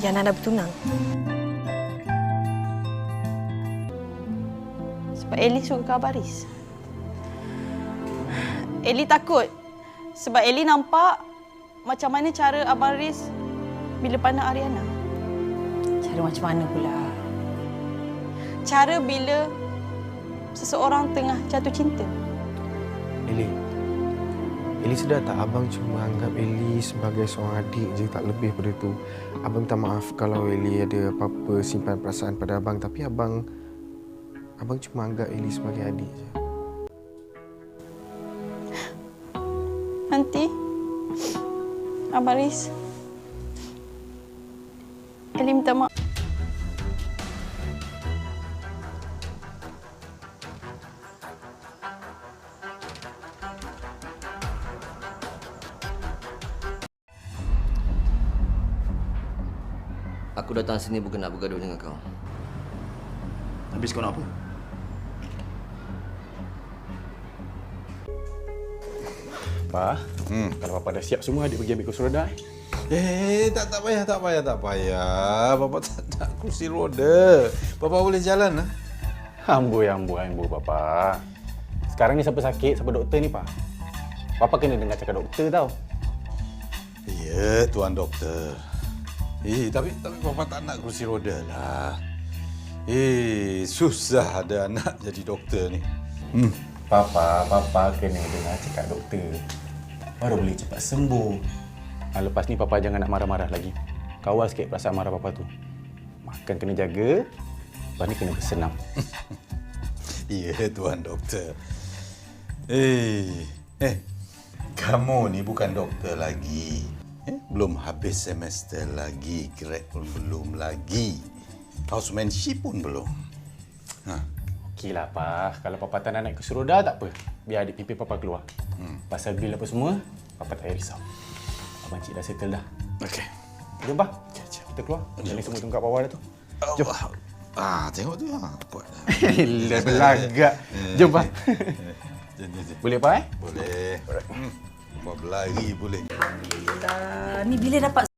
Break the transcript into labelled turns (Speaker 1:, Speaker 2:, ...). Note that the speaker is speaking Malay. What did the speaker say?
Speaker 1: Yana dah bertunang.
Speaker 2: Sebab Ellie suka ke Abaris. Ellie takut. Sebab Ellie nampak macam mana cara Abaris bila pandang Ariana.
Speaker 3: Cara macam mana pula?
Speaker 2: Cara bila seseorang tengah jatuh cinta.
Speaker 4: Eli sedar tak abang cuma anggap Eli sebagai seorang adik je, tak lebih pada tu. Abang minta maaf kalau Eli ada apa-apa simpan perasaan pada abang, tapi abang cuma anggap Eli sebagai adik je.
Speaker 2: Nanti Abaris, Ellie minta maaf.
Speaker 5: Aku datang sini bukan nak bergaduh dengan kau.
Speaker 6: Habis kau nak apa?
Speaker 7: Pa, kalau Papa dah siap semua, adik pergi ambil kursi roda.
Speaker 6: Tak payah. Bapa tak nak kursi roda. Bapa boleh jalan lah.
Speaker 7: Amboi, Papa. Sekarang ni siapa sakit, siapa doktor ni, Pa? Papa kena dengar cakap doktor tau.
Speaker 6: Ya, Tuan Doktor. Tapi Bapa tak nak kursi roda lah. Susah ada anak jadi doktor ni.
Speaker 7: Papa kena dengar cakap doktor. Baru boleh cepat sembuh. Lepas ni Papa jangan nak marah-marah lagi. Kawal sikit perasaan marah Papa tu. Makan kena jaga, lepas ni kena bersenam.
Speaker 6: Ya, Tuan Doktor. Kamu ni bukan doktor lagi. Belum habis semester lagi, grad pun belum lagi. Housemanship pun belum.
Speaker 7: Okeylah, Pa. Kalau Papa tak nak naik kursi roda, tak apa. Biar adik pimpin Papa keluar. Pasal bil apa semua, Papa tak payah risau. Abang Cik dah settle dah.
Speaker 6: Okey.
Speaker 7: Jom, Pa. Kita keluar. Jangan semua tunggu kat bawah dah tu. Jom.
Speaker 6: Tengok tu. Kuat dah.
Speaker 7: Belagak. Jom, Pa.
Speaker 6: Jom.
Speaker 7: Boleh, Pa?
Speaker 6: Boleh. Buat berlari boleh.
Speaker 3: Ni bila dapat